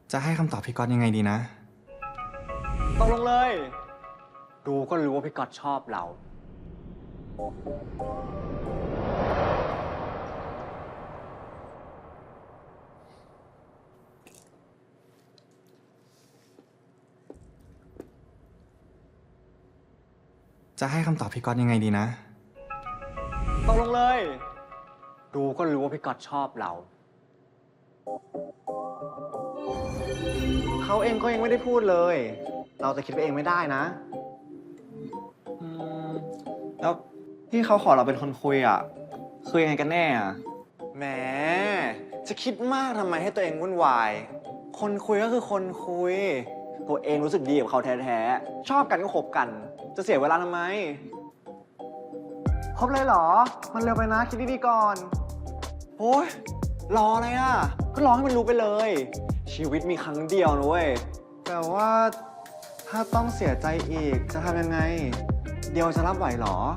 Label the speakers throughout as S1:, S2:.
S1: จะให้คำตอบพี่ก๊อตยังไงดีนะ
S2: ตกลงเลย ดูก็รู้ว่าพี่ก๊อตชอบเรา
S1: จะให้คำตอบพี่ก๊อตยังไงดีนะ
S2: ตกลงเลย ดูก็รู้ว่าพี่ก๊อตชอบเรา เขาเองก็ยังไม่ได้พูดเลย เราจะคิดไปเองไม่ได้นะแล้วที่เขาขอเราเป็นคนคุยอ่ะคือยังไงกันแน่อ่ะแหมจะคิดมากทำไมให้ตัวเองวุ่นวาย คนคุยก็คือคนคุย ตัวเองรู้สึกดีกับเขาแท้ๆ ชอบกันก็คบกัน จะเสียเวลาทำไม คบเลยเหรอ มันเร็วไปนะ คิดดีๆก่อน โอ้ยรออะไรอ่ะ ก็รอให้มันรู้ไปเลย ชีวิตมีครั้งเดียวนะเว้ย แต่ว่าถ้าต้องเสียใจอีกจะทำยังไง เดียวจะรับไหวเหรอ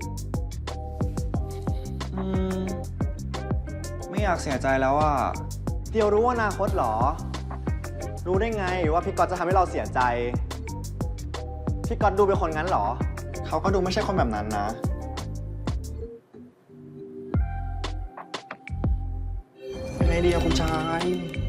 S2: ไม่อยากเสียใจแล้วอ่ะ เดียวรู้ว่าอนาคตเหรอ รู้ได้ไงว่าพี่ก๊อตจะทำให้เราเสียใจ พี่ก๊อตดูเป็นคนงั้นเหรอ เขาก็ดูไม่ใช่คนแบบนั้นนะเป็นไงดีอะคุณชาย